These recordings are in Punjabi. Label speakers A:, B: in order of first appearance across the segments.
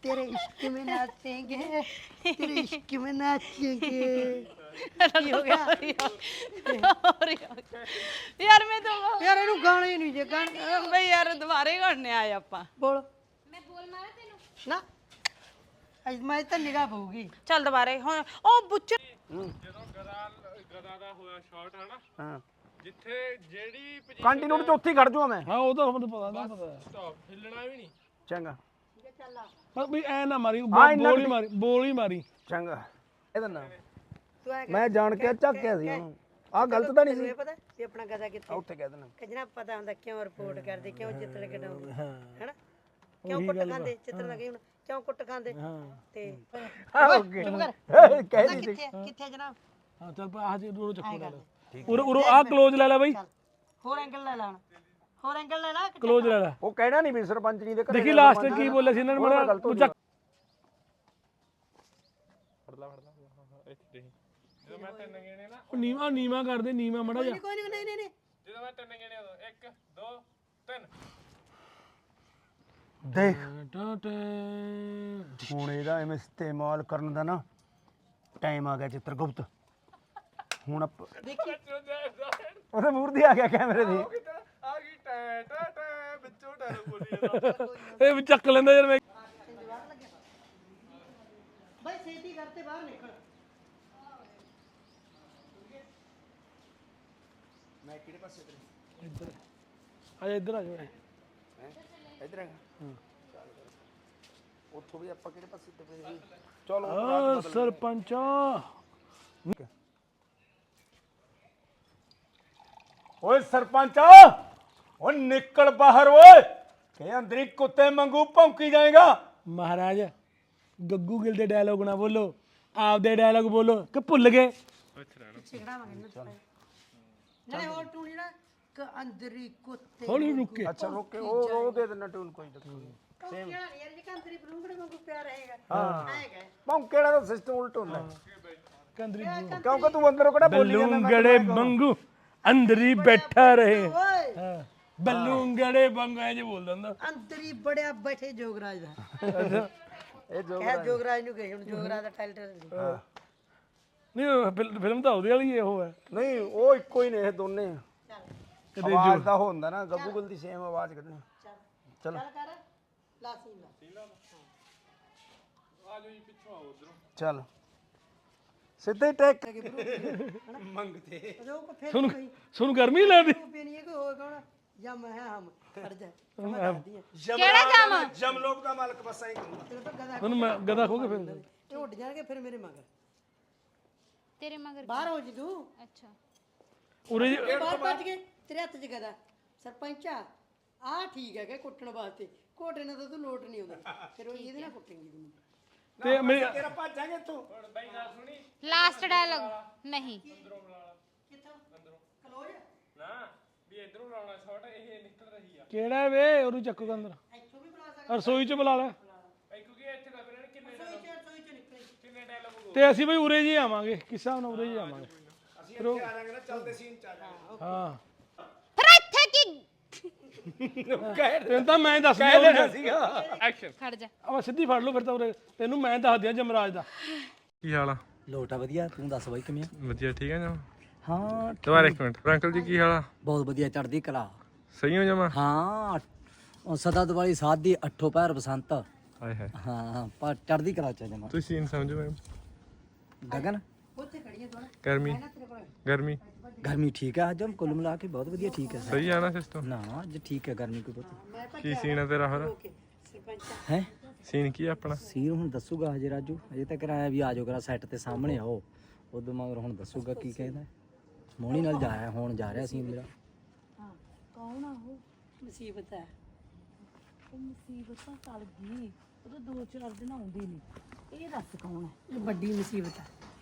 A: तेरे इश्क में नाचेंगे तेरे इश्क में नाचेंगे ਕੀ ਹੋ ਗਿਆ
B: ਯਾਰ ਮੈਂ ਤਾਂ
A: ਯਾਰ ਇਹਨੂੰ ਗਾਣੇ ਨਹੀਂ ਜੇ ਗਾਣੇ
B: ਬਈ ਯਾਰ ਦੁਬਾਰੇ ਗਾਣੇ ਆਏ ਆਪਾਂ
A: ਬੋਲ ਮੈਂ ਬੋਲ ਮਾਰਾਂ ਤੈਨੂੰ ਨਾ ਅੱਜ ਮੈਂ ਤਾਂ ਨਿਗਾਹ ਪਊਗੀ
B: ਚੱਲ ਦੁਬਾਰੇ ਹੁਣ ਉਹ ਬੁੱਚ
C: ਜਦੋਂ ਗਦਾ ਦਾ ਹੋਇਆ ਸ਼ਾਟ ਹੈ ਨਾ
D: ਹਾਂ
C: ਜਿੱਥੇ ਜਿਹੜੀ
D: ਕੰਟੀਨਿਊ ਚੌਥੀ ਖੜ ਜਾਵਾਂ ਮੈਂ
E: ਹਾਂ ਉਹ ਤਾਂ ਮੈਨੂੰ ਪਤਾ ਨਾ ਪਤਾ
C: ਸਟਾਪ ਹਿੱਲਣਾ ਵੀ ਨਹੀਂ
D: ਚੰਗਾ
E: ਬਸ ਵੀ ਐ ਨਾ ਮਾਰੀ
D: ਹਾਂ, ਇੰਨਾ
E: ਬੋਲ ਹੀ ਮਾਰੀ
D: ਚੰਗਾ ਇਹਦਾ ਨਾਮ
A: ਤੂੰ ਐ
D: ਮੈਂ ਜਾਣ ਕੇ ਝੱਕਿਆ ਸੀ ਉਹਨੂੰ ਆਹ ਗਲਤ ਤਾਂ ਨਹੀਂ ਸੀ
A: ਇਹ ਪਤਾ ਵੀ ਆਪਣਾ ਗਦਾ ਕਿੱਥੇ
D: ਉੱਥੇ ਕਹਿ ਦੇਣਾ
A: ਕਜਣਾ ਪਤਾ ਹੁੰਦਾ ਕਿਉਂ ਰਿਪੋਰਟ ਕਰਦੇ ਕਿਉਂ ਜਿੱਤਣ ਕਢਾਉਂਦੇ ਹੈਨਾ ਕਿਉਂ ਕੁੱਟ ਖਾਂਦੇ ਚਿੱਤਰ ਲੱਗੇ ਹੁਣ ਕਿਉਂ ਕੁੱਟ ਖਾਂਦੇ ਤੇ
D: ਓਕੇ ਕਹਿ ਦੀ
A: ਕਿੱਥੇ ਜਨਾਬ
E: ਹਾਂ ਚੱਲ ਪਾ ਆਹ ਜੀ ਉਰੋਂ ਚੱਕੋ ਲੈ ਉਰੋਂ ਆਹ ਕਲੋਜ਼ ਲੈ ਲੈ ਬਾਈ
A: ਹੋਰ ਐਂਗਲ ਲੈ ਲੈਣ ਹੋਰ ਐਂਗਲ ਲੈ ਲੈ
E: ਕਲੋਜ਼ ਲੈ ਲੈ
D: ਉਹ ਕਹਿਣਾ ਨਹੀਂ ਵੀ ਸਰਪੰਚ ਨਹੀਂ ਦੇ ਘਰੇ
E: ਦੇਖੀ ਲਾਸਟ ਕੀ ਬੋਲਿਆ ਸੀ ਇਹਨਾਂ ਨੇ ਮੇਰਾ ਤੂੰ ਚੱਕ
C: ਫੜਦਾ ਇੱਥੇ ਦੇਖੀ ਜਦੋਂ ਮੈਂ ਤਿੰਨ ਗੇਣੇ ਨਾ
E: ਨੀਵਾ ਕਰਦੇ ਨੀਵਾ ਮੜਾ ਜਾ
A: ਕੋਈ ਨਹੀਂ ਨਹੀਂ
C: ਜਦੋਂ ਮੈਂ ਤਿੰਨ ਗੇਣੇ ਉਦੋਂ 1 2 3
D: ਦੇਖ ਹੁਣ ਇਹਦਾ ਐਵੇਂ ਇਸਤੇਮਾਲ ਕਰਨ ਦਾ ਨਾ ਟਾਈਮ ਆ ਗਿਆ ਚਿੱਤਰਗੁਪਤ ਹੁਣ ਉਹਦੇ ਮੂਹਰ ਦੀ ਆ ਗਿਆ ਕੈਮਰੇ ਦੀ
C: ਆ ਗਈ ਟੈ ਟੈ ਟੈ ਵਿੱਚੋਂ ਡਾਇਲੌਗ ਬੋਲੀ ਜਾਂਦਾ
E: ਇਹ ਵੀ ਚੱਕ ਲੈਂਦਾ ਯਾਰ ਮੈਂ
A: ਭਾਈ ਛੇਤੀ ਕਰਤੇ ਬਾਹਰ ਨਿਕਲ
D: ਮੈਂ ਕਿਹੜੇ ਪਾਸੇ
E: ਇੱਧਰ ਆ ਜਾ ਇੱਧਰ ਆ ਜਾ
D: ਇਧਰ ਹੈਗਾ ਉੱਥੋਂ ਵੀ ਆਪਾਂ ਕਿਹੜੇ ਪਾਸੇ ਤੇ ਪਏ ਸੀ ਚਲੋ
E: ਆ ਸਰਪੰਚਾ
D: ਓਏ ਸਰਪੰਚ ਓ ਨਿਕਲ ਬਾਹਰ ਓਏ ਕਿ ਅੰਦਰੀ ਕੁੱਤੇ ਵਾਂਗੂ ਭੌਂਕੀ ਜਾਏਗਾ
E: ਮਹਾਰਾਜ ਗੱਗੂ ਗਿੱਲ ਦੇ ਡਾਇਲੋਗ ਨਾ ਬੋਲੋ ਆਪਦੇ ਡਾਇਲੋਗ ਬੋਲੋ ਕਿ ਭੁੱਲ ਗਏ
A: ਛਿਗੜਾਵਾਂਗੇ ਨਾ ਨਾਲੇ ਹੋਰ ਟੂਣੀ ਨਾ ਕ ਅੰਦਰੀ ਕੁੱਤੇ
E: ਹੌਲੀ ਰੁਕੇ
D: ਅੱਛਾ ਰੋਕੇ ਉਹ ਦੇ ਦੇਣਾ ਟੂਨ ਕੋਈ
A: ਸੇਮ ਯਾਰ ਜੇ ਕੰਦਰੀ ਬਲੂੰਗੜੇ ਵਾਂਗੂ ਪਿਆ ਰਹੇਗਾ
D: ਹਾਂ
A: ਆਏਗਾ
D: ਭੌਂਕੇ ਵਾਲਾ ਤਾਂ ਸਿਸਟਮ ਉਲਟ ਹੁੰਦਾ
E: ਕੰਦਰੀ
D: ਕਿਉਂਕਿ ਤੂੰ ਅੰਦਰੋਂ ਕਿਹੜਾ ਬੋਲੀ ਜਾਂਦਾ
E: ਬਲੂੰਗੜੇ ਬੰਗੂ ਅੰਦਰ ਹੀ ਬੈਠਾ ਰਹੇ
A: ਓਏ
E: ਹਾਂ ਬਲੂੰਗੜੇ ਬੰਗੂ ਐ ਜੇ ਬੋਲ ਦਿੰਦਾ
A: ਅੰਦਰੀ ਬੜਿਆ ਬੈਠੇ ਜੋਗਰਾਜ ਦਾ
D: ਇਹ ਜੋ
A: ਕਹਿ ਜੋਗਰਾਜ ਨੂੰ ਕਹੇ ਹੁਣ ਜੋਗਰਾਜ ਦਾ ਟਾਈਟਲ
E: ਨਹੀਂ ਫਿਲਮ ਤਾਂ ਉਹਦੇ ਵਾਲੀ ਉਹ ਹੈ
D: ਨਹੀਂ ਉਹ ਇੱਕੋ ਹੀ ਨੇ ਇਹ ਦੋਨੇ ਆਵਾਜ਼ ਦਾ ਹੁੰਦਾ ਨਾ ਗੱਗੂ ਗੁੱਲ ਦੀ ਸੇਮ ਆਵਾਜ਼ ਕੱਢਣੀ ਚਲ
A: ਚੱਲ ਕਰ ਲਾ ਸੀਨ ਲਾ
C: ਆ ਜਾਓ ਜੀ ਪਿੱਛੋਂ ਆਓ ਉਧਰੋਂ
D: ਚੱਲ ਸਿੱਧੇ ਟੈਕ ਮੰਗਤੇ
A: ਜੋ ਕੋ ਫਿਰ
E: ਸੁਣ ਗਰਮੀ ਲੱਗਦੀ
A: ਪੀ ਨਹੀਂ ਕਿ ਹੋਏ ਕੌਣ ਜਾਂ ਮੈਂ ਹਮ ਖੜ ਜਾ
B: ਕਿਹੜਾ ਜਾਮ
D: ਜਮਲੋਕ ਦਾ ਮਾਲਕ ਬਸ ਐਂ ਕਰੂੰਗਾ
A: ਤੇਰੇ ਤੋਂ ਗਦਾ
E: ਉਹਨੂੰ ਮੈਂ ਗਦਾ ਖੋ ਕੇ ਫਿਰ
A: ਇਹ ਉੱਡ ਜਾਣਗੇ ਫਿਰ ਮੇਰੇ ਮਗਰ
B: ਤੇਰੇ ਮਗਰ
A: ਬਾਹਰ ਹੋ ਜੀ ਤੂੰ
B: ਅੱਛਾ
E: ਉਰੇ
A: ਬਾਹਰ ਭੱਜ ਗਏ ਤੇਰੇ ਹੱਥ 'ਚ ਗਦਾ ਸਰਪੰਚਾ ਆ ਠੀਕ ਹੈ ਕਿ ਕੁੱਟਣ ਵਾਸਤੇ ਕੋਟੇ ਨਾਲ ਤਾਂ ਤੂੰ ਲੋਟ ਨਹੀਂ ਆਉਂਦਾ ਫਿਰ ਉਹ ਇਹਦੇ ਨਾਲ ਕੁੱਟੇਂਗੀ ਤੂੰ
E: ਤੇ ਮੇਰੀ
D: ਤੇਰਾ ਭੱਜਾਂਗੇ ਤੂੰ
B: ਲਾਸਟ ਡਾਇਲੌਗ ਨਹੀਂ
A: ਕਿੱਥੋਂ ਕਲੋਜ
C: ਨਾ ਵੀ ਇਧਰੋਂ ਲਾਉਣਾ ਸ਼ਾਟ ਇਹ ਨਿਕਲ ਰਹੀ ਆ
E: ਕਿਹੜਾ ਵੇ ਉਹਨੂੰ ਚੱਕੋ ਅੰਦਰ
A: ਇੱਥੋਂ ਵੀ ਬੁਲਾ ਸਕਦਾ
E: ਰਸੋਈ ਚ ਬੁਲਾ ਲੈ
C: ਕਿਉਂਕਿ ਇੱਥੇ ਦੱਸ ਰਹੇ ਨੇ ਕਿੰਨੇ
A: ਸੋਈ ਚ ਨਿਕਲੇ
C: ਕਿੰਨੇ ਡਾਇਲੌਗ
E: ਤੇ ਅਸੀਂ ਬਈ ਉਰੇ ਜੀ ਆਵਾਂਗੇ ਕਿਸ ਹਿਸਾਬ ਨਾਲ ਉਰੇ ਜੀ ਆਵਾਂਗੇ
D: ਅਸੀਂ ਇੱਥੇ ਆ ਜਾਾਂਗੇ ਨਾ ਚੱਲਦੇ ਸੀਨ ਚ ਆ ਜਾਾਂਗੇ
E: ਹਾਂ
B: ਫਿਰ ਇੱਥੇ ਕੀ
E: ਤੈਨੂੰ ਤਾਂ ਮੈਂ ਦੱਸ
D: ਕਹਿ ਦੇਣਾ ਸੀਗਾ
C: ਐਕਸ਼ਨ
B: ਖੜ ਜਾ
E: ਆ ਸਿੱਧੀ ਫੜ ਲਓ ਫਿਰ ਤਾਂ ਉਰੇ ਤੈਨੂੰ ਮੈਂ ਦੱਸ ਦਿਆਂ ਜਮਰਾਜ ਦਾ
C: ਕੀ ਹਾਲ ਆ
F: ਲੋਟਾ ਵਧੀਆ ਤੂੰ ਦੱਸ ਬਾਈ ਕਿਵੇਂ ਆ?
C: ਵਧੀਆ ਠੀਕ ਆ ਜਮਾ
F: ਹਾਂ
C: ਦੁਬਾਰਾ ਇੱਕ ਮਿੰਟ ਅੰਕਲ ਜੀ ਕੀ ਹਾਲ ਆ
F: ਬਹੁਤ ਵਧੀਆ ਚੜਦੀ ਕਲਾ
C: ਸਹੀ ਹੋ ਜਮਾ
F: ਹਾਂ ਉਹ ਸਦਾ ਦਿਵਾਲੀ ਸਾਧ ਦੀ ਅੱਠੋ ਪੈਰ ਬਸੰਤ
C: ਹਾਏ ਹਾਏ
F: ਹਾਂ ਪਰ ਚੜਦੀ ਕਲਾ ਚ ਜਮਾ
C: ਤੁਸੀਂ ਸੀਨ ਸਮਝੋ ਮੈਂ
F: ਗਗਨ
A: ਉੱਥੇ ਖੜੀਏ ਥੋੜਾ
C: ਗਰਮੀ ਗਰਮੀ
F: ਗਰਮੀ ਠੀਕ ਹੈ ਅੱਜ ਹਮ ਕੁੱਲ ਮਿਲਾ ਕੇ ਬਹੁਤ ਵਧੀਆ ਠੀਕ ਹੈ
C: ਸਹੀ ਆ ਨਾ ਸਿਸਟਮ
F: ਨਾ ਅੱਜ ਠੀਕ ਹੈ ਗਰਮੀ ਕੋਈ ਬਹੁਤ
C: ਕੀ ਸੀਨ ਆ ਤੇਰਾ ਹੋਰ
A: ਸਰਪੰਚਾ
F: ਹੈ
C: ਸੀਨ ਕੀ ਆ ਆਪਣਾ
F: ਸੀਰ ਹੁਣ ਦੱਸੂਗਾ ਹਜੇ ਰਾਜੂ ਹਜੇ ਤੱਕ ਆਇਆ ਵੀ ਆਜੋ ਕਰਾ ਸੈੱਟ ਤੇ ਸਾਹਮਣੇ ਆਓ ਉਦੋਂ ਮਗਰ ਹੁਣ ਦੱਸੂਗਾ ਕੀ ਕਹਿੰਦਾ ਮੋਣੀ ਨਾਲ ਜਾਇਆ ਹੁਣ ਜਾ ਰਿਹਾ ਸੀ ਮੇਰਾ
A: ਹਾਂ ਕੌਣ ਆ ਉਹ ਮੁਸੀਬਤ ਹੈ
G: ਉਹ ਮੁਸੀਬਤ ਤਾਂ ਟਲ ਗਈ ਉਹ ਦੋ ਚਾਰ ਦਿਨ ਆਉਂਦੀ ਨਹੀਂ ਇਹ ਦੱਸ ਕੌਣ ਹੈ
A: ਇਹ ਵੱਡੀ ਮੁਸੀਬਤ ਹੈ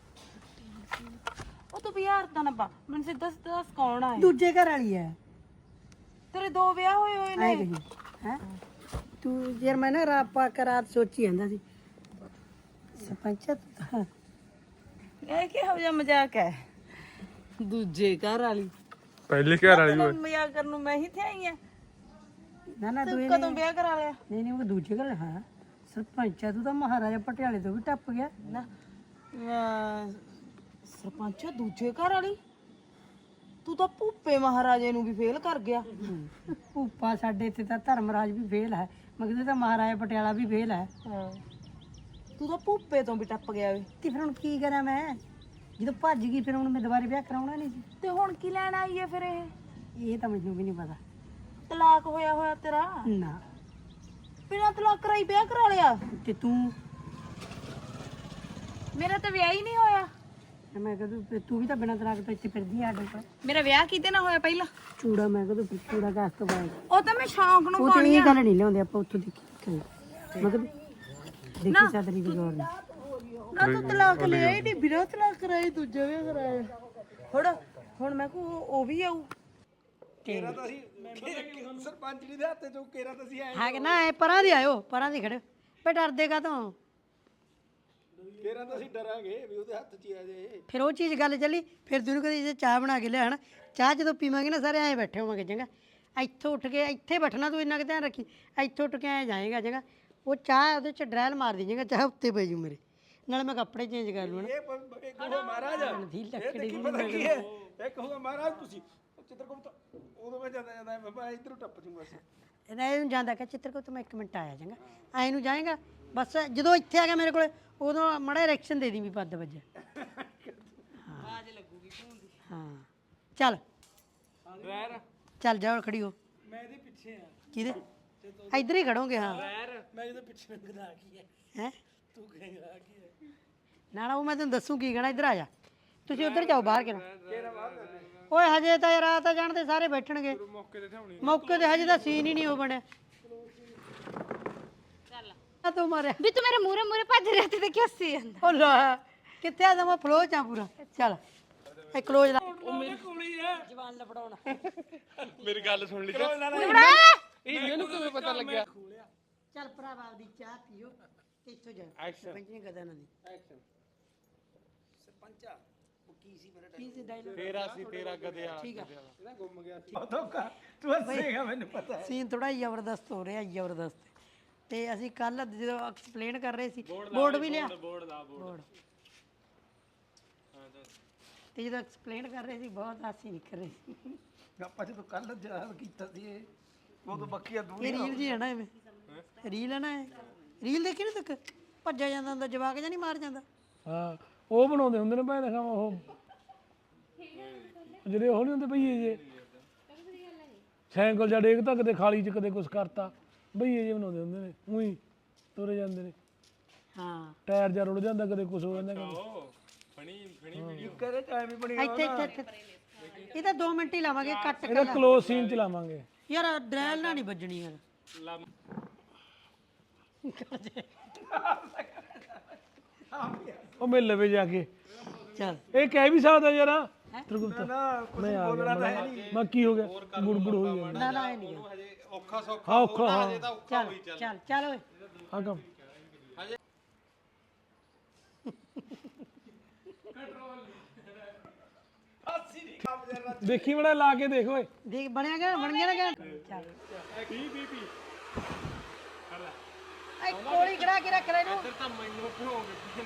G: ਉਹ ਤੂੰ ਬਿਹਾਰ ਦਾ ਨਾ ਪਾ ਮੈਨੂੰ ਸਿੱਧਾ ਸਿੱਧਾ ਦੱਸ ਕੌਣ ਆ ਇਹ?
A: ਦੂਜੇ ਘਰ ਵਾਲੀ ਹੈ
G: ਤੇਰੇ ਦੋ ਵਿਆਹ ਹੋਏ ਹੋਏ
A: ਆਏ
G: ਨੇ
A: ਕਹੀ ਹੈ ਤੂੰ ਯਾਰ ਮੈਂ ਨਾ ਰਾਤ ਸੋਚੀ ਜਾਂਦਾ ਸੀ ਸਰਪੰਚਾ
G: ਇਹ ਕਿਹੋ ਜਿਹਾ ਮਜ਼ਾਕ ਹੈ ਦੂਜੇ ਘਰ ਵਾਲੀ
C: ਪਹਿਲੀ ਘਰ ਵਾਲੀ
G: ਤੈਨੂੰ ਮਜ਼ਾਕ ਕਰਨ ਨੂੰ ਮੈਂ ਹੀ ਤੇ ਆਈ ਆ
A: ਨਾ
G: ਤੂੰ ਕਦੋਂ ਵਿਆਹ ਕਰਾ ਲਿਆ
A: ਨਹੀਂ ਉਹ ਦੂਜੇ ਘਰ ਹਾਂ ਸਰਪੰਚ ਆ ਤੂੰ ਤਾਂ ਮਹਾਰਾਜਾ ਪਟਿਆਲੇ ਤੋਂ ਵੀ ਟੱਪ ਗਿਆ
G: ਨਾ ਸਰਪੰਚ ਦੂਜੇ ਘਰ ਵਾਲੀ ਤੂੰ ਤਾਂ ਭੂਪੇ ਮਹਾਰਾਜੇ ਨੂੰ ਵੀ ਫੇਲ ਕਰ ਗਿਆ।
A: ਭੂਪਾ ਸਾਡੇ ਇੱਥੇ ਤਾਂ ਧਰਮਰਾਜ ਵੀ ਫੇਲ ਹੈ ਮਗਦੇ ਤਾਂ ਮਹਾਰਾਜਾ ਪਟਿਆਲਾ ਵੀ ਫੇਲ ਹੈ।
G: ਹਾਂ ਤੂੰ ਤਾਂ ਭੂਪੇ ਤੋਂ ਵੀ ਟੱਪ ਗਿਆ ਵੇ।
A: ਤੇ ਫਿਰ ਹੁਣ ਕੀ ਕਰਾਂ ਮੈਂ ਜਦੋਂ ਭੱਜ ਗਈ ਫਿਰ ਹੁਣ ਮੈਂ ਦੁਬਾਰੇ ਵਿਆਹ ਕਰਾਉਣਾ ਨਹੀਂ ਸੀ।
G: ਤੇ ਹੁਣ ਕੀ ਲੈਣ ਆਈ ਹੈ ਫਿਰ ਇਹ
A: ਇਹ ਤਾਂ ਮੈਨੂੰ ਵੀ ਨਹੀਂ ਪਤਾ
G: ਤਲਾਕ ਹੋਇਆ ਤੇਰਾ
A: ਨਾ।
G: ਬਿਨਾਂ ਤਲਾਕ ਕਰਾਈ ਵਿਆਹ ਕਰਾ ਲਿਆ।
A: ਤੇ ਤੂੰ
G: ਮੇਰਾ ਤਾਂ ਵਿਆਹ ਹੀ ਨਹੀਂ ਹੋਇਆ।
A: ਮੈਂ ਕਦੋਂ ਤੂੰ ਵੀ ਤਾਂ ਬਿਨਾਂ ਤਲਾਕ ਤੋਂ ਇੱਥੇ ਫਿਰਦੀ ਆ ਆਡੇ ਕੋਲ।
G: ਮੇਰਾ ਵਿਆਹ ਕਿਤੇ ਨਾ ਹੋਇਆ ਪਹਿਲਾਂ।
A: ਚੂੜਾ ਮੈਂ ਕਦੋਂ ਚੂੜਾ ਕਾਸ ਤੋਂ ਪਾਇਆ
G: ਉਹ ਤਾਂ ਮੈਂ ਸ਼ੌਂਕ ਨੂੰ
A: ਉਹ ਤਾਂ ਇਹ ਗੱਲ ਨਹੀਂ ਲਿਆਉਂਦੇ ਆਪਾਂ ਉੱਥੋਂ ਦੇਖੀ ਮਤਲਬ ਦੇਖੀ ਸਾਦਰੀ ਦੀ ਗੌਰ ਨਹੀਂ।
G: ਨਾ ਤੂੰ ਤਲਾਕ ਲਿਆ ਹੀ ਨਹੀਂ ਬਿਨਾਂ ਤਲਾਕ ਕਰਾਈ ਦੂਜਾ ਵਿਆਹ ਕਰਾਇਆ। ਹੁਣ ਮੈਂ ਕੋ ਉਹ ਵੀ ਆਊ।
C: ਕੇਰਾ ਤਾਂ ਅਸੀਂ ਸਰਪੰਚ ਜੀ ਦੇ ਹੱਥ ਚੋਂ ਕੇਰਾ ਤਾਂ ਅਸੀਂ ਆਏ
A: ਹਾਂ ਕਿ ਨਾ ਇਹ ਪਰਾਂ ਦੀ ਆਇਓ ਪਰਾਂ ਦੀ ਖੜੇ ਪੇ ਡਰਦੇ ਕਾ ਤੋਂ
C: ਕੇਰਾ ਤਾਂ ਅਸੀਂ ਡਰਾਂਗੇ ਵੀ ਉਹਦੇ ਹੱਥ 'ਚ ਹੀ ਆ ਜੇ।
A: ਫਿਰ ਉਹ ਚੀਜ਼ ਗੱਲ ਚੱਲੀ ਫਿਰ ਤੈਨੂੰ ਕਦੇ ਜੇ ਚਾਹ ਬਣਾ ਕੇ ਲਿਆਣ ਚਾਹ ਜਦੋਂ ਪੀਵਾਂਗੇ ਨਾ ਸਾਰੇ ਐਂ ਬੈਠੇ ਹੋਵਾਂਗੇ ਚੰਗਾ ਇੱਥੋਂ ਉੱਠ ਕੇ ਇੱਥੇ ਬੈਠਣਾ ਤੂੰ ਇੰਨਾ ਕੁ ਧਿਆਨ ਰੱਖੀ ਇੱਥੋਂ ਉੱਠ ਕੇ ਐਂ ਜਾਏਗਾ ਚੰਗਾ ਉਹ ਚਾਹ ਉਹਦੇ ਚ ਡਰੈਲ ਮਾਰ ਦੀ ਜਾਏਗਾ ਚਾਹ ਉੱਤੇ ਪੈ ਜੂ ਮੇਰੇ ਨਾਲ ਮੈਂ ਕੱਪੜੇ ਚੇਂਜ ਕਰ ਲੂ ਨਾ
C: ਇੱਕ ਹੋਗਾ ਮਹਾਰਾਜ ਇਹ ਦੇਖੀ ਪਤਾ ਕੀ ਹੈ ਇੱਕ ਹੋਗਾ ਮਹਾਰਾਜ ਤੁਸੀਂ ਚਿੱਤਰਗੁਪਤ ਉਦੋਂ ਮੈਂ ਜਾਂਦਾ ਬਾਬਾ ਇੱਧਰੋਂ ਟੱਪ ਜੂਗਾ ਅਸੀਂ
A: ਇਹਨੂੰ ਜਾਂਦਾ ਕਿ ਚਿੱਤਰਗੁਪਤ ਮੈਂ 1 ਮਿੰਟ ਆਇਆ ਚੰਗਾ ਐਂ ਨੂੰ ਜਾਏਗਾ ਬਸ ਜਦੋਂ ਇੱਥੇ ਆ ਗਿਆ ਮੇਰੇ ਕੋਲੇ ਉਦੋਂ ਮੜਾ ਰਿਐਕਸ਼ਨ ਦੇ ਦੀ ਵੀ ਪੱਦ ਵੱਜੇ ਆਵਾਜ਼ ਲੱਗੂਗੀ ਫੋਨ ਦੀ ਹਾਂ ਚੱਲ ਚੱਲ ਜਾ ਖੜੀ ਹੋ
E: ਮੈਂ ਇਹਦੇ ਪਿੱਛੇ ਆ
A: ਕਿਹਦੇ ਇੱਧਰ ਹੀ ਖੜੋਗੇ ਹਾਂ
E: ਮੈਂ ਇਹਦੇ ਪਿੱਛੇ ਗਦਾ ਕੀ ਹੈ
A: ਹੈ
E: ਤੂੰ ਕਹੇਗਾ ਕੀ ਹੈ
A: ਨਾ ਉਹ ਮੈਂ ਤੈਨੂੰ ਦੱਸੂ ਕੀ ਕਹਿਣਾ ਇੱਧਰ ਆ ਜਾ ਤੁਸੀਂ ਉੱਧਰ ਜਾਓ ਬਾਹਰ ਕਿਹੜਾ ਓਏ ਹਜੇ ਤਾਂ ਰਾਤ ਤਾਂ ਜਾਣਦੇ ਸਾਰੇ ਬੈਠਣਗੇ ਮੌਕੇ ਤੇ ਹਜੇ ਤਾਂ ਸੀਨ ਹੀ ਨਹੀਂ ਉਹ ਬਣਿਆ ਚੱਲ ਤੂੰ ਮਾਰਿਆ
B: ਵੀ ਤੂੰ ਮੇਰੇ ਮੂਰੇ ਮੂਰੇ ਭੱਜ ਰਿਹਾ ਤੇ ਕੀ ਹੱਸੀ ਜਾਂਦਾ
A: ਉਹ ਲੈ ਕਿੱਥੇ ਆ ਮੈਂ ਫਲੋ ਚ ਆ ਪੂਰਾ ਚੱਲ ਇਹ ਕਲੋਜ਼ ਲਾ
E: ਉਹ ਮੇਰੀ ਕੁੜੀ ਹੈ
A: ਜਵਾਨ ਲਫੜਾਉਣਾ
C: ਮੇਰੀ ਗੱਲ ਸੁਣ ਲਈ
E: ਇਹਨੂੰ ਕਿਵੇਂ ਪਤਾ ਲੱਗਿਆ
A: ਚੱਲ ਭਰਾਵਾ ਆਪਦੀ ਚਾਹ ਪੀਓ ਤੇ ਇੱਥੋਂ ਜਾ ਸਰਪੰਚ ਨੇ ਗਦਾ ਨਾ ਦੀ
C: ਸਰਪੰਚਾ ਉਹ ਕੀ ਸੀ ਮੇਰਾ
A: ਕੀ ਸੀ ਡਾਇਲੋਗ
C: ਤੇਰਾ ਗਧਿਆ
A: ਠੀਕ ਆ
C: ਇਹਦਾ ਗੁੰਮ ਗਿਆ ਸੀ
D: ਤੂੰ ਹੱਸੇਗਾ ਮੈਨੂੰ ਪਤਾ
A: ਸੀਨ ਥੋੜਾ ਜ਼ਬਰਦਸਤ ਹੋ ਰਿਹਾ ਜ਼ਬਰਦਸਤ ਤੇ ਅਸੀਂ ਕੱਲ ਜਦੋਂ ਐਕਸਪਲੇਨ ਕਰ ਰਹੇ ਸੀ ਬੋਰਡ ਵੀ ਲਿਆ ਬੋਰਡ ਤੇ ਜਦੋਂ ਐਕਸਪਲੇਨ ਕਰ ਰਹੇ ਸੀ ਬਹੁਤ ਹਾਸੀ ਨਿਕਲ ਰਹੀ ਸੀ
D: ਆਪਾਂ ਜਦੋਂ ਕੱਲ ਯਾਦ ਕੀਤਾ ਸੀ ਇਹ ਉਦੋਂ ਬੱਕੀਆਂ ਦੂਰ
A: ਇਹ ਰੀਲ ਜੀ ਹੈ ਨਾ ਐਵੇਂ ਰੀਲ ਹੈ ਨਾ ਇਹ ਰੀਲ ਦੇਖੀ ਨਾ ਤੱਕ ਭੱਜਿਆ ਜਾਂਦਾ ਹੁੰਦਾ ਜਵਾਕ ਜਾਂ ਨਹੀਂ ਮਾਰ ਜਾਂਦਾ
E: ਹਾਂ ਉਹ ਬਣਾਉਂਦੇ ਹੁੰਦੇ ਨੇ ਭਾਵੇਂ ਦਿਖਾਵਾਂ ਉਹ ਜਿਹੜੇ ਉਹ ਨਹੀਂ ਹੁੰਦੇ ਭਈਏ ਜੇ ਸਾਈਕਲ ਜਾਂ ਡੇਗਦਾ ਕਦੇ ਖਾਲੀ ਚ ਕਦੇ ਕੁਛ ਕਰਤਾ ਭਈਏ ਜੇ ਬਣਾਉਂਦੇ ਹੁੰਦੇ ਨੇ ਉਹੀ ਤੁਰੇ ਜਾਂਦੇ ਨੇ
A: ਹਾਂ
E: ਟਾਇਰ ਜਾਂ ਰੁੜ ਜਾਂਦਾ ਕਦੇ ਕੁਛ ਹੋ ਜਾਂਦਾ ਕਦੇ
D: ਕਰੇ ਟਾਈਮ ਹੀ ਬਣੀ
A: ਇੱਥੇ ਇੱਥੇ ਇਹ ਤਾਂ 2 ਮਿੰਟ ਹੀ ਲਾਵਾਂਗੇ ਕੱਟ
E: ਇਹਦਾ
A: ਕਰ
E: ਕਲੋਜ਼ ਸੀਨ ਚਲਾਵਾਂਗੇ
A: ਯਾਰ ਡਰੈਲ ਨਾ ਨਹੀਂ ਵੱਜਣੀ ਯਾਰ
E: ਉਹ ਮਿਲ ਲਵੇ ਜਾ ਕੇ
A: ਚੱਲ
E: ਇਹ ਕਹਿ ਵੀ ਸਕਦਾ ਯਾਰ ਤਰਗੁਪਤ
D: ਨਾ ਕੁਝ
E: ਮੈਂ ਆ
D: ਬੋਲਣਾ ਤਾਂ
E: ਗਿਆ
D: ਹੈ ਨਹੀਂ
E: ਮੈਂ ਕੀ ਹੋ ਗਿਆ ਗੁੜਗੁੜ ਹੋਈ ਜਾਂਦਾ
A: ਨਾ ਨਾ ਇਹ ਨਹੀਂ
C: ਔਖਾ ਸੌਖਾ
E: ਹਾਂ ਔਖਾ ਹਾਂ
A: ਚੱਲ ਚੱਲ ਚੱਲ ਓਏ
E: ਆ ਕੰਮ ਦੇਖੀ ਬੜਾ ਲਾ ਕੇ ਦੇਖ ਓਏ
A: ਦੇਖ ਬਣਿਆ ਗਿਆ ਬਣ ਗਿਆ ਨਾ ਗਿਆ ਚੱਲ ਐ ਕੋਲੀ ਖੜਾ ਕੇ ਰੱਖ ਲੈ ਇਹਨੂੰ
C: ਤਾਂ ਮੈਨੂੰ ਭੋਗ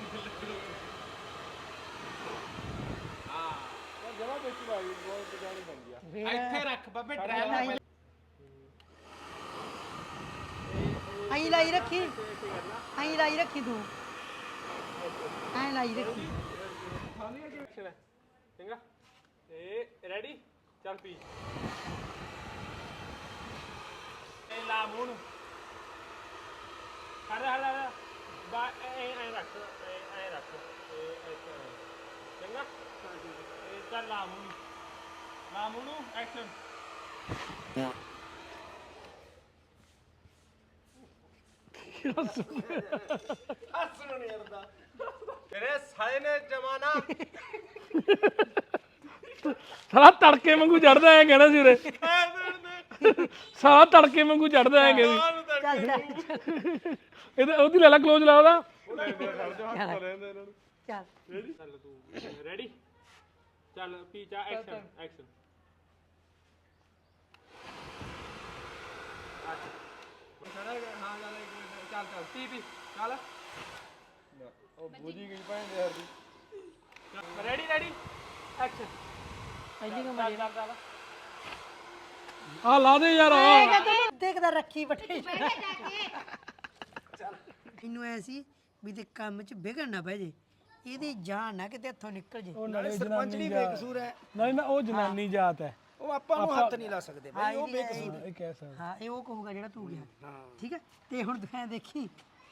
C: ਜਮਾ ਵਿੱਚ ਭਾਈ ਬਹੁਤ ਬਜਾਣੀ ਬਣ ਗਿਆ ਇੱਥੇ ਰੱਖ ਬਾਬੇ ਡਰਾਈਵਰ
A: ਐਂ ਲਾਈ ਰੱਖੀ ਐਂ ਲਾਈ ਰੱਖੀ ਤੂੰ ਐਂ ਲਾਈ ਰੱਖੀ
C: ਚੰਗਾ ਇਹ ਰੈਡੀ ਚੱਲ ਪੀ ਇਹ ਲਾ ਮੂੰਹ ਨੂੰ ਹਰ ਬਾ ਐ ਰੱਖ ਐ ਰੱਖ ਚੰਗਾ ਇਹ ਚੱਲ ਲਾ ਮੂੰਹ ਨੂੰ ਐਕਸ਼ਨ ਹੱਸਣ ਨਹੀਂ ਆਉਂਦਾ ਤੇਰੇ ਸਾਲੇ ਨੇ ਜਮਾਨਾ
E: ਸਾਲਾ ਤੜਕੇ ਵਾਂਗੂ ਚੜਦਾ ਐ ਕਹਿਣਾ ਸੀ ਉਰੇ ਸਾਲਾ ਤੜਕੇ ਵਾਂਗੂ ਚੜਦਾ ਐ ਕਹਿੰਦੀ ਇਹਦਾ ਉਹਦੀ ਲੈ ਲਾ ਕਲੋਜ਼ ਲਾ ਉਹਦਾ
A: ਚੱਲ
C: ਚੱਲ ਤੂੰ ਰੈਡੀ ਚੱਲ ਪੀ ਚਾ ਐਕਸ਼ਨ ਐਕਸ਼ਨ ਹਾਂ ਚੱਲ ਚੱਲ ਤੀ ਚੱਲ ਉਹ ਬੂਝੀ ਗਈ ਭੈਣ ਦੇ ਯਾਰ ਦੀ ਰੈਡੀ ਰੈਡੀ ਐਕਸ਼ਨ
A: ਪਹਿਲੀ ਕਮਾਈ
E: ਆ ਲਾ ਦੇ ਯਾਰ
A: ਦੇਖਦਾ ਰੱਖੀ ਬਟੇ ਇਹਨੂੰ ਐ ਸੀ ਵੀ ਤੇ ਕੰਮ 'ਚ ਵਿਗੜ ਨਾ ਪੈ ਜੇ ਇਹਦੀ ਜਾਨ ਨਾ ਕਿਤੇ ਹੱਥੋਂ ਨਿਕਲ ਜੇ
E: ਉਹ ਨਾਲੇ
C: ਸਰਪੰਚ
E: ਜਨਾਨੀ
C: ਨਹੀਂ
E: ਜਾਤ
C: ਬੇਕਸੂਰ ਹੈ
E: ਨਹੀਂ ਨਾ ਉਹ ਜਨਾਨੀ ਜਾਤ ਹੈ
C: ਉਹ ਆਪਾਂ ਨੂੰ ਹੱਥ ਨਹੀਂ ਲਾ ਸਕਦੇ
A: ਹਾਂ, ਇਹਦੀ-
E: ਇਹ ਕਹਿ ਸਕਦਾ
A: ਹਾਂ ਇਹ ਉਹ ਕਹੂਗਾ ਜਿਹੜਾ ਤੂੰ ਗਿਆ ਠੀਕ ਹੈ ਤੇ ਹੁਣ ਤੂੰ ਐਂ ਦੇਖੀ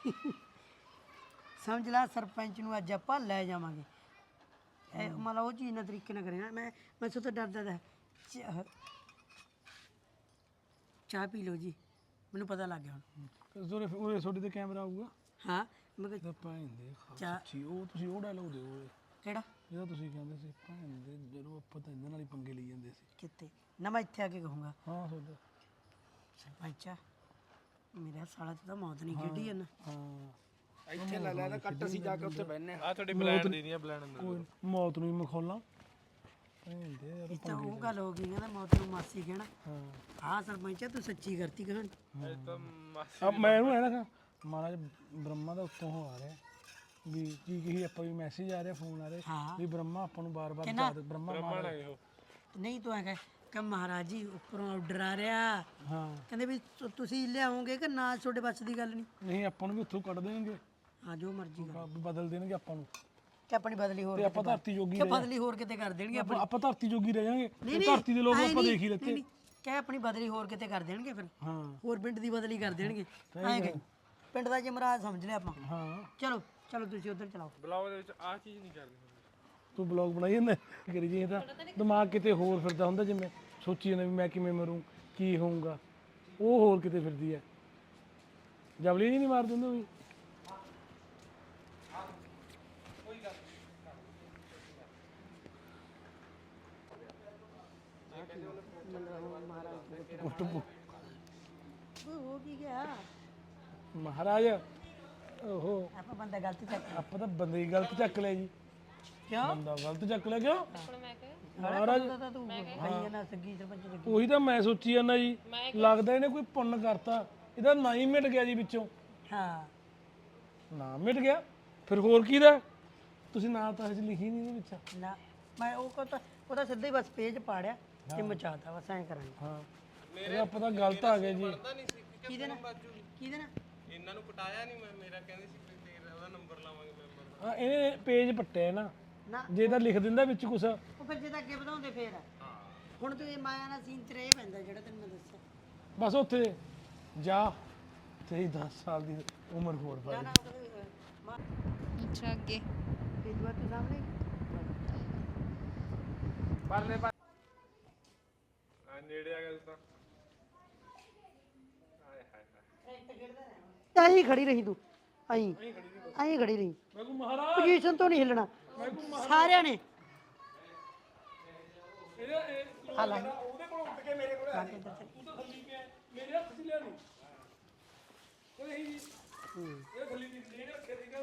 A: ਸਮਝ ਲੈ ਸਰਪੰਚ ਨੂੰ ਅੱਜ ਆਪਾਂ ਲੈ ਜਾਵਾਂਗੇ ਇਹ ਮਤਲਬ ਉਹ ਚੀਜ਼ ਨਾਲ ਤਰੀਕੇ ਨਾਲ ਕरेगा ਮੈਂ ਸੋ ਤੋਂ ਡਰਦਾ ਤਾਂ ਚਾਹ ਪੀ ਲਓ ਜੀ ਮੈਨੂੰ ਪਤਾ ਲੱਗ ਗਿਆ ਹੁਣ
E: ਜ਼ੋਰੇ ਉਰੇ ਛੋਟੀ ਤੇ ਕੈਮਰਾ ਆਊਗਾ
A: ਹਾਂ ਮੈਂ ਕਿਹਾ
E: ਤਾਂ ਭੈਣ ਦੇ
A: ਚਾਹ
E: ਖਾਸੀ ਉਹ ਤੁਸੀਂ ਉਹ ਡਾਇਲੋਗ ਦਿਓ ਓਏ
A: ਕਿਹੜਾ
E: ਜਿਹੜਾ ਤੁਸੀਂ ਕਹਿੰਦੇ ਸੀ ਭੈਣ ਦੇ ਜਦੋਂ ਆਪਾਂ ਤਾਂ ਇਹਨਾਂ ਨਾਲ ਹੀ ਪੰਗੇ ਲਈ ਜਾਂਦੇ ਸੀ
A: ਕਿੱਥੇ ਨਾ ਮੈਂ ਇੱਥੇ ਆ ਕੇ ਕਹੂੰਗਾ
E: ਹਾਂ ਤੁਹਾਡਾ
A: ਸਰਪੰਚਾ ਮੇਰਾ ਸਾਲਾ ਤੇ ਤਾਂ ਮੌਤ ਨਹੀਂ ਖੇਡੀ ਜਾਂਦਾ
E: ਹਾਂ
C: ਇੱਥੇ ਲੈ ਲੈ ਤਾਂ ਕੱਟ ਅਸੀਂ ਜਾ ਕੇ ਉੱਥੇ ਬੈਠਨੇ ਆ
E: ਕੋਈ ਮੌਤ ਨੂੰ ਹੀ ਮਖੌਲਾਂ ਭੈਣ ਦੇ ਯਾਰ
A: ਇਹ ਤਾਂ ਉਹ ਗੱਲ ਹੋ ਗਈ ਕਹਿੰਦਾ ਮੌਤ ਨੂੰ ਮਾਸੀ ਕਹਿਣਾ
E: ਹਾਂ
A: ਹਾਂ ਸਰਪੰਚਾ ਤੂੰ ਸੱਚੀ ਕਰਤੀ ਕਹਾਣੀ
E: ਅਬ ਮੈਂ ਇਹਨੂੰ ਐ ਨਾ ਮਹਾਰਾਜ ਬ੍ਰਹਮਾ ਦਾ ਉੱਤੋਂ ਹੋ ਆ ਰਿਹਾ ਵੀ ਕੀ ਕਹੀ ਆਪਾਂ ਵੀ ਮੈਸੇਜ ਆ ਰਿਹਾ ਫੋਨ ਆ ਰਿਹਾ
A: ਹਾਂ
E: ਵੀ ਬ੍ਰਹਮਾ ਆਪਾਂ ਨੂੰ ਬਾਰ-ਬਾਰ
A: ਕਹਿੰਦਾ
E: ਯਾਦ ਬ੍ਰਹਮਾ ਮਾਰ
A: ਨਹੀਂ ਤੂੰ ਐ ਕਹੇ ਕਿ ਮਹਾਰਾਜ ਜੀ ਉੱਪਰੋਂ ਆਰਡਰ ਆ ਰਿਹਾ
E: ਹਾਂ
A: ਕਹਿੰਦੇ ਵੀ ਤੁਸੀਂ ਲਿਆਓਗੇ ਕਿ ਨਾ ਤੁਹਾਡੇ ਬੱਸ ਦੀ ਗੱਲ ਨਹੀਂ
E: ਨਹੀਂ ਆਪਾਂ ਨੂੰ ਵੀ ਉੱਥੋਂ ਕੱਢ ਦੇਣਗੇ
A: ਹਾਂ ਜੋ ਮਰਜ਼ੀ ਕਰ
E: ਬਦਲ ਦੇਣਗੇ ਆਪਾਂ ਨੂੰ
A: ਕਿ ਆਪਣੀ ਬਦਲੀ ਹੋਰ
E: ਤੇ ਆਪਾਂ ਧਰਤੀ ਜੋਗੀ
A: ਕਿ ਬਦਲੀ ਹੋਰ ਕਿਤੇ ਕਰ ਦੇਣਗੇ
E: ਆਪਾਂ ਧਰਤੀ ਜੋਗੀ ਰਹਿ ਜਾਾਂਗੇ
A: ਨਹੀਂ,
E: ਧਰਤੀ ਦੇ ਲੋਕ
A: ਐਂ
E: ਆਪਾਂ
A: ਨਹੀਂ,
E: ਦੇਖ ਹੀ ਲੈਤੇ
A: ਨਹੀਂ, ਕਹਿ ਆਪਣੀ ਬਦਲੀ ਹੋਰ ਕਿਤੇ ਕਰ ਦੇਣਗੇ ਫਿਰ
E: ਹਾਂ
A: ਹੋਰ ਪਿੰਡ ਦੀ ਬਦਲੀ ਕਰ ਦੇਣਗੇ ਐਂ ਕਿ ਪਿੰਡ ਦਾ ਜਮਰਾਜ ਸਮਝ ਲਿਆ ਆਪਾਂ
E: ਹਾਂ
A: ਚਲੋ ਚਲੋ ਤੁਸੀਂ ਉਧਰ ਚਲਾਓ
C: ਬਲੌਗ ਦੇ ਵਿੱਚ ਆਹ ਚੀਜ਼ ਨਹੀਂ ਕਰਨੀ
E: ਤੂੰ ਬਲੌਗ ਬਣਾਈ ਜਾਂਦਾ ਕਰੀ ਜੀ ਤਾਂ ਦਿਮਾਗ ਕਿਤੇ ਹੋਰ ਫਿਰਦਾ ਹੁੰਦਾ ਜਿਵੇਂ ਸੋਚੀ ਜਾਂਦਾ ਵੀ ਮੈਂ ਕਿਵੇਂ ਮਰੂੰ ਕੀ ਹੋਊਗਾ ਉਹ ਹੋਰ ਕਿਤੇ ਫਿਰਦੀ ਹੈ ਜਬਲੀ ਨਹੀਂ ਮਾਰ ਦਿੰਦਾ ਵੀ
A: ਹੋ ਕੀ ਗਿਆ
E: ਮਹਾਰਾਜ ਓਹੋ
A: ਆਪਾਂ ਬੰਦਾ ਗਲਤ ਚੱਕ
E: ਆਪਾਂ ਤਾਂ ਬੰਦੇ ਹੀ ਗਲਤ ਚੱਕ ਲਿਆ ਜੀ
A: ਕਿਉਂ
E: ਬੰਦਾ ਗਲਤ ਚੱਕ ਲਿਆ ਕਿਉਂ
A: ਮਹਾਰਾਜ ਤਾਂ ਤੂੰ ਭਈਆ ਨਾ ਸੱਗੀ ਸਰਪੰਚ ਲੱਗੀ
E: ਉਹੀ ਤਾਂ ਮੈਂ ਸੋਚੀ ਜਾਂਦਾ ਜੀ ਲੱਗਦਾ ਇਹਨੇ ਕੋਈ ਪੁੰਨ ਕਰਤਾ ਇਹਦਾ ਨਾਂ ਹੀ ਮਿਟ ਗਿਆ ਜੀ ਵਿੱਚੋਂ
A: ਹਾਂ
E: ਨਾਂ ਮਿਟ ਗਿਆ ਫਿਰ ਹੋਰ ਕੀ ਦਾ ਤੁਸੀਂ ਨਾਂ ਤਾਂ ਹਜੇ ਲਿਖੀ ਨਹੀਂ ਇਹਦੇ ਵਿੱਚ
A: ਨਾ ਮੈਂ ਉਹਦਾ ਸਿੱਧਾ ਹੀ ਬਸ ਪੇਜ ਪਾੜਿਆ ਤੇ ਮਚਾਤਾ ਬਸ ਐਂ ਕਰਾਂਗੇ
E: ਹਾਂ ਇਹਦਾ ਪਤਾ ਗਲਤ ਆ ਗਿਆ ਜੀ
A: ਕਿਹਦੇ ਨਾਲ ਕਿਹਦੇ ਨਾਲ
C: ਇਹਨਾਂ ਨੂੰ ਪਟਾਇਆ ਨਹੀਂ ਮੈਂ ਮੇਰਾ ਕਹਿੰਦੇ ਸੀ ਤੇਰਾ ਉਹਦਾ ਨੰਬਰ ਲਾਵਾਂਗੇ ਮੈਂਬਰ
E: ਹਾਂ ਇਹਨੇ ਪੇਜ ਪੱਟਿਆ ਨਾ
A: ਨਾ
E: ਜੇ ਤਾਂ ਲਿਖ ਦਿੰਦਾ ਵਿੱਚ ਕੁਛ
A: ਉਹ ਫਿਰ ਜੇ ਤਾਂ ਅੱਗੇ ਵਧਾਉਂਦੇ ਫੇਰ ਹੁਣ ਤੂੰ ਇਹ ਮਾਇਆ ਨਾਲ ਸੀਨ ਤੇ ਇਹ ਪੈਂਦਾ ਜਿਹੜਾ ਤੈਨੂੰ ਮੈਂ ਦੱਸਿਆ
E: ਬਸ ਉੱਥੇ ਜਾ ਤੇਰੀ 10 ਸਾਲ ਦੀ ਉਮਰ ਹੋਰ ਪਾ
A: ਨਾ ਮਾਂ
B: ਅੱਛਾ ਅੱਗੇ
A: ਇਹ ਦੁਆ ਤੂੰ ਸਾਹਮਣੇ
C: ਪਰਲੇ ਪਰ ਆ ਨੇੜੇ ਆ ਗਿਆ ਤੂੰ ਤਾਂ ਹਾਏ ਹਾਏ ਹਾਏ
A: ਆਈ ਖੜੀ ਰਹੀ ਤੂੰ ਆਈ ਖੜੀ ਰਹੀ
E: ਮੈਂ ਕੋ ਮਹਾਰਾਜ
A: ਪੋਜੀਸ਼ਨ ਤੋਂ ਨਹੀਂ ਹਿੱਲਣਾ ਸਾਰਿਆਂ ਨੇ ਹਾਲਾ
C: ਉਹਦੇ ਕੋਲ ਉੱਠ ਕੇ ਮੇਰੇ ਕੋਲ ਆ
E: ਤੂੰ ਤਾਂ ਥੱਲੀ ਪਿਆ ਮੇਰੇ ਹੱਥ 'ਚ ਲਿਆ ਨਹੀਂ ਕੋਈ ਨਹੀਂ ਇਹ ਥੱਲੀ ਨਹੀਂ ਲੈ ਰੱਖਿਆ ਸੀਗਾ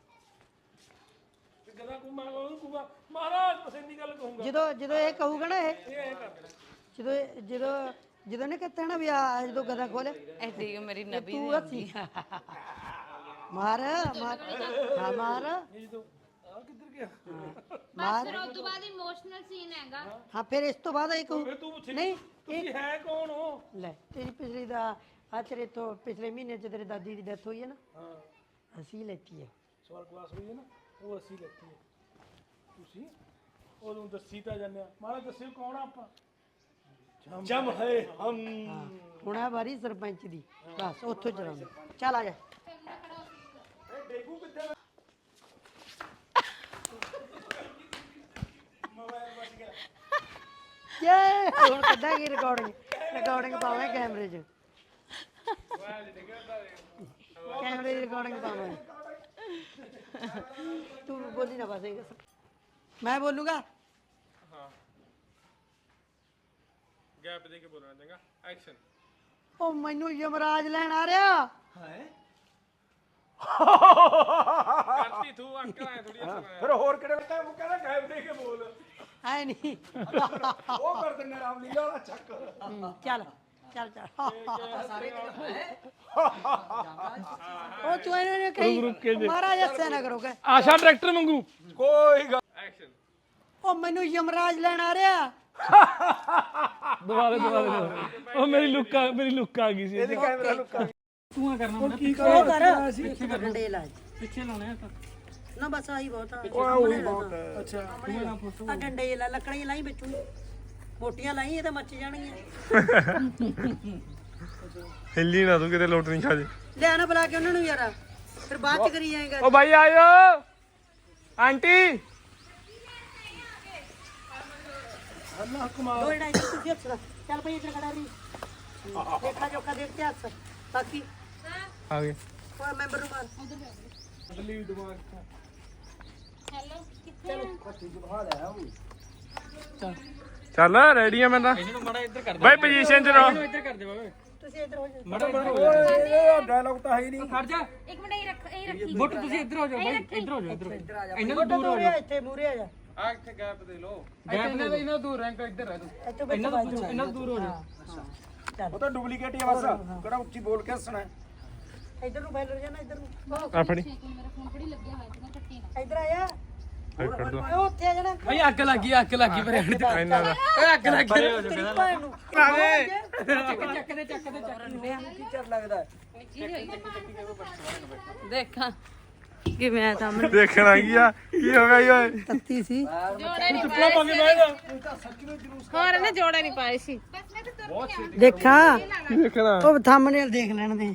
E: ਤੇ ਗਦਾ ਕੋ ਕਹੂਗਾ ਮਹਾਰਾਜ ਪਸੰਦੀ ਗੱਲ ਕਹੂੰਗਾ
A: ਜਦੋਂ ਇਹ ਕਹੂਗਾ ਨਾ ਇਹ
E: ਇਹ ਕਰ
A: ਜਦੋਂ ਨੇ ਕਹਤਾ ਨਾ ਵੀ ਆ ਜਦੋਂ ਗਦਾ ਖੋਲੇ
G: ਐਡੀ ਮੇਰੀ ਨਬੀ
A: ਤੂੰ ਹੱਸੀ ਮਾਰ ਹਾਂ ਮਾਰ
E: ਇਹ ਜਦੋਂ ਆ ਕਿੱਧਰ ਗਿਆ
B: ਬਸ ਫਿਰ ਉਸ ਤੋਂ ਬਾਅਦ ਇਮੋਸ਼ਨਲ ਸੀਨ ਹੈਗਾ
A: ਹਾਂ ਫਿਰ ਇਸ ਤੋਂ ਬਾਅਦ ਇਹ ਕਹੂ
E: ਫਿਰ ਤੂੰ ਪੁੱਛੀ
A: ਨਹੀਂ
E: ਤੁਸੀਂ ਹੈ ਕੌਣ ਹੋ
A: ਲੈ ਤੇਰੀ ਪਿਛਲੀ ਦਾ ਆ ਤੇਰੇ ਤੋਂ ਪਿਛਲੇ ਮਹੀਨੇ ਚ ਤੇਰੇ ਦਾਦੀ ਦੀ ਡੈਥ ਹੋਈ ਹੈ ਨਾ
E: ਹਾਂ
A: ਅਸੀਂ ਲੈਤੀ ਹੈ
E: ਸਵਾਲ ਕਲਾਸ ਹੋਈ ਹੈ ਨਾ ਉਹ ਅਸੀਂ ਲੈਤੀ ਹੈ ਤੁਸੀਂ ਉਹਨੂੰ ਦੱਸੀ ਤਾਂ ਜਾਂਦੇ ਆ ਮਹਾਰਾਜ ਦੱਸਿਓ ਕੌਣ ਆ ਆਪਾਂ ਜਮ ਹੈ ਹਮ
A: ਹੁਣ ਆ ਵਾਰੀ ਸਰਪੰਚ ਦੀ ਬਸ ਉੱਥੋਂ ਚਲਾਉਂਦੇ ਚੱਲ ਆ ਜਾ ਯੇ ਹੁਣ ਕੱਢਾਂਗੇ ਰਿਕਾਰਡਿੰਗ ਪਾਵਾਂ ਕੈਮਰੇ 'ਚ ਕੈਮਰੇ ਦੀ ਰਿਕਾਰਡਿੰਗ ਪਾਵਾਂ ਤੂੰ ਬੋਲੀ ਨਾ ਬਸ ਮੈਂ ਬੋਲੂਗਾ
C: ਹਾਂ ਗੈਪ ਦੇ ਕੇ ਬੋਲਣਾ ਚੰਗਾ ਐਕਸ਼ਨ
A: ਉਹ ਮੈਨੂੰ ਯਮਰਾਜ ਲੈਣ ਆ ਰਿਹਾ
C: ਕਰਤੀ ਤੂੰ ਅੰਕਲ ਆਇਆ ਥੋੜੀ ਹੱਸਣਾ
E: ਫਿਰ ਹੋਰ ਕਿਹੜੇ ਉਹ ਕਹਿੰਦਾ ਗਾਇਬ ਦੇ ਕੇ ਬੋਲ
A: ਐ ਨਹੀਂ
C: ਉਹ ਕਰ ਦਿੰਨੇ ਰਾਮ ਲੀਲਾ ਵਾਲਾ ਚੱਕ
A: ਚੱਲ ਚੱਲ ਉਹ ਤੂੰ ਇਹਨਾਂ ਨੇ ਕਹੀ ਮਹਾਰਾਜ ਹੱਸਿਆ ਨਾ ਕਰੋਗੇ
E: ਆਸ਼ਾ ਡਾਇਰੈਕਟਰ ਵਾਂਗੂ
C: ਕੋਈ ਗੱਲ
A: ਉਹ ਮੈਨੂੰ ਯਮਰਾਜ ਲੈਣ ਆ ਰਿਹਾ
E: ਦੁਬਾਰਾ ਉਹ ਮੇਰੀ ਲੁੱਕ ਆ ਗਈ ਸੀ
C: ਇਹਦੀ ਕੈਮਰਾ ਲੁੱਕਾ
A: ਉਹ ਕਰ ਡੰਡੇ ਲਾ ਪਿੱਛੇ ਲਾਉਣੇ ਨਾ ਬਸ ਆਹੀ ਬਹੁਤ ਆ
C: ਉਹੀ ਬਹੁਤ ਹੈ
A: ਅੱਛਾ ਆ ਡੰਡੇ ਲਾ ਲੱਕੜੀਆਂ ਲਾਈ ਵਿੱਚੋਂ ਮੋਟੀਆਂ ਲਾਈ ਇਹ ਤਾਂ ਮੱਚ ਜਾਣਗੀਆਂ
H: ਹਿੱਲੀ ਨਾ ਤੂੰ ਕਿਤੇ ਲੋਟ ਨਹੀਂ ਖਾ ਜੇ
A: ਲਿਆ ਨਾ ਬੁਲਾ ਕੇ ਉਹਨਾਂ ਨੂੰ ਯਾਰ ਫਿਰ ਬਾਅਦ ਚ ਕਰੀ ਜਾਏਗਾ
H: ਓ ਭਾਈ ਆਇਓ ਆਂਟੀ
A: ਦੋ ਢਾਈ ਤੁਸੀਂ ਹੱਥ ਚੱਲ ਭਈ ਇੱਧਰ ਖੜਾ ਰਹੀ ਦੇਖਾ ਜੋਖਾ ਦੇਖ ਕੇ ਹੱਥ ਬਾਕੀ
H: ਆ ਗਏ
A: ਉਹ ਮੈਂਬਰ ਨੂੰ ਮਾਰ
H: ਚੱਲ ਰੈਡੀ ਆ ਮੈਂ ਤਾਂ ਬਾਈ ਪੋਜੀਸ਼ਨ ਚ ਰਹੋ
A: ਤੁਸੀਂ ਇੱਧਰ ਹੋ ਜਾਓ
C: ਓਏ ਡਾਇਲੌਗ ਤਾਂ ਹੈ ਹੀ ਨਹੀਂ
B: ਇੱਕ ਮਿੰਟ ਇਹ ਰੱਖੀ
E: ਬੁੱਟ ਤੁਸੀਂ ਇੱਧਰ ਹੋ ਜਾਓ ਬਾਈ ਇੱਧਰ ਹੋ ਜਾਓ
A: ਇਹਨਾਂ ਤੋਂ ਦੂਰ ਹੋ ਜਾ ਇੱਥੇ ਮੂਰੇ ਆ ਜਾ
E: ਗੈਪ ਇਹਨਾਂ ਦੂਰ ਰੈਂਕ ਇੱਧਰ ਰਹਿ ਤੂੰ
A: ਇੱਥੋਂ ਬੈਠੋ
E: ਇਹਨਾਂ ਤੋਂ ਦੂਰ ਹੋ ਜਾ
C: ਉਹ ਤਾਂ ਡੁਪਲੀਕੇਟ ਹੀ ਆ ਬਸ ਕਿਹੜਾ ਉੱਚੀ ਬੋਲ ਕੇ ਹੱਸਣਾ
A: ਇੱਧਰ ਨੂੰ ਫੈਲ ਜਾਣਾ ਇੱਧਰ ਨੂੰ
H: ਆ ਫੜੀ
B: ਮੇਰਾ ਫੋਨ ਬੜੀ ਲੱਗਿਆ ਹੋਇਆ ਸੀ ਨਾ ਕੱਟੀ ਨਾ
A: ਇੱਧਰ ਆਇਆ
H: ਕੱਢ ਦੋ
A: ਓਏ ਉੱਥੇ ਆ ਜਾਣਾ
E: ਭਾਈ ਅੱਗ ਲੱਗੀ ਪਰ
H: ਇਹਨਾਂ ਦਾ
E: ਓਏ ਅੱਗ ਲੱਗੀ
A: ਤੇਰੀ ਭੈਣ ਨੂੰ
G: ਦੇਖਾਂ ਕਿਵੇਂ ਤਾਂ
H: ਦੇਖਣਾ ਕੀ ਆ ਕੀ ਹੋ ਗਿਆ ਈ ਓਏ
A: ਤੱਤੀ ਸੀ
B: ਜੋੜੇ ਨਹੀਂ ਪਾਏ ਹੋਰ ਨਾ ਜੋੜੇ ਨਹੀਂ ਪਾਏ ਸੀ ਬਸ ਮੈਂ ਤਾਂ ਤੁਰ
A: ਦੇਖਾਂ
H: ਦੇਖਣਾ
A: ਉਹ ਥੰਬਨੇਲ ਦੇਖ ਲੈਣ ਦੇ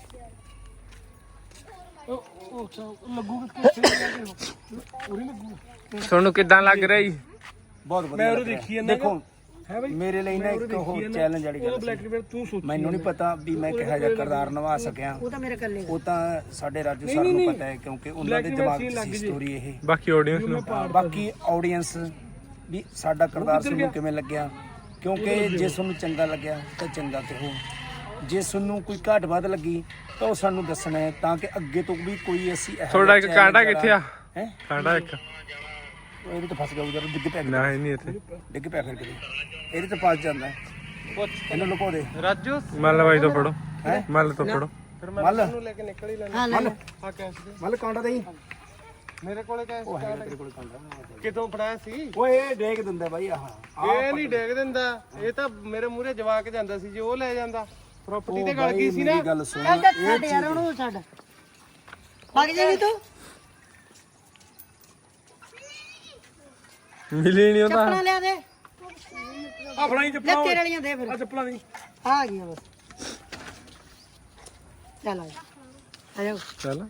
H: ਤੁਹਾਨੂੰ ਕਿੱਦਾਂ ਲੱਗ ਰਿਹਾ ਜੀ
C: ਬਹੁਤ ਵਧੀਆ ਮੈਂ ਉਹ ਦੇਖੀ ਜਾਂਦਾ ਦੇਖੋ ਮੇਰੇ ਲਈ ਨਾ ਇੱਕ ਉਹ ਚੈਲੰਜ ਵਾਲੀ ਗੱਲ ਸੀ।
E: ਤੂੰ ਸੋਚ
C: ਮੈਨੂੰ ਨਹੀਂ ਪਤਾ ਵੀ ਮੈਂ ਕਿਹੋ ਜਿਹਾ ਕਿਰਦਾਰ ਨਿਭਾ ਸਕਿਆ
A: ਉਹ ਤਾਂ ਮੇਰੇ ਕੱਲੇ
C: ਉਹ ਤਾਂ ਸਾਡੇ ਰਾਜੂ ਸਰ ਨੂੰ ਪਤਾ ਹੈ ਕਿਉਂਕਿ ਉਹਨਾਂ ਦੇ ਦਿਮਾਗ 'ਚ ਸੀ ਸਟੋਰੀ ਇਹ
H: ਬਾਕੀ ਆਡੀਅנס ਨੂੰ
C: ਬਾਕੀ ਆਡੀਅנס ਵੀ ਸਾਡਾ ਕਿਰਦਾਰ ਤੁਹਾਨੂੰ ਕਿਵੇਂ ਲੱਗਿਆ ਕਿਉਂਕਿ ਜੇ ਤੁਹਾਨੂੰ ਚੰਗਾ ਲੱਗਿਆ ਤਾਂ ਚੰਗਾ ਕਹੋ ਜੇ ਤੁਹਾਨੂੰ ਕੋਈ ਘਾਟ ਵੱਧ ਲੱਗੀ ਤਾਂ ਉਹ ਸਾਨੂੰ ਦੱਸਣਾ ਹੈ ਤਾਂ ਕਿ ਅੱਗੇ ਤੋਂ ਵੀ ਕੋਈ ਅਸੀਂ
H: ਤੁਹਾਡਾ ਇੱਕ ਕਾਂਟਾ ਕਿੱਥੇ ਆ
C: ਹੈ
H: ਕਾਂਟਾ ਇੱਕ
C: ਇਹਦੇ ਤੇ ਫਸ ਗਿਆ ਉਧਰ ਡਿੱਗ ਪਿਆ
H: ਨਾ ਹੈ ਨਹੀਂ ਇੱਥੇ
C: ਡਿੱਗ ਪਿਆ ਫਿਰ ਕਿਤੇ ਇਹਦੇ ਤੇ ਫਸ ਜਾਂਦਾ ਇਹਨੂੰ ਲੁਕੋ ਦੇ
H: ਰਾਜੂ ਮੱਲ ਬਾਈ ਤੋਂ ਫੜੋ ਮੱਲ ਤੋਂ ਫੜੋ
C: ਮੱਲ
A: ਹਾਂ ਲੈ
C: ਮੱਲ ਕਾਂਟਾ ਦੇਈ
H: ਮੇਰੇ ਕੋਲੇ ਕੈਸ
C: ਉਹ ਹੈ ਤੇਰੇ ਕੋਲ ਕਾਂਟਾ
H: ਕਿਤੋਂ ਫੜਾਇਆ ਸੀ
C: ਓਏ ਇਹ ਡੇਗ ਦਿੰਦਾ ਬਾਈ ਆਹ
H: ਇਹ ਨਹੀਂ ਡੇਗ ਦਿੰਦਾ ਇਹ ਤਾਂ ਮੇਰੇ ਮੂਹਰੇ ਜਵਾ ਕੇ ਜਾਂਦਾ ਸੀ ਜੇ ਉਹ ਲੈ ਜਾਂਦਾ ਪ੍ਰਾਪਰਟੀ ਤੇ ਗਲ ਗਈ ਸੀ ਨਾ
C: ਮੇਰੀ ਗੱਲ ਸੁਣ
A: ਛੱਡ ਯਾਰ ਉਹਨੂੰ ਛੱਡ ਵਗ ਜਾਵੀਂ ਤੂੰ
H: ਮਿਲੀ ਨਹੀਂ ਉਹਦਾ
A: ਚੱਪਲਾਂ ਲਿਆ ਦੇ
E: ਆ ਫੜਾਈ
A: ਲੈ ਤੇਰੇ ਵਾਲੀਆਂ ਦੇ ਫਿਰ
E: ਚੱਪਲਾਂ ਦੀ
A: ਆ ਗਈਆਂ ਬਸ ਚੱਲ ਆ ਜਾ
H: ਚੱਲ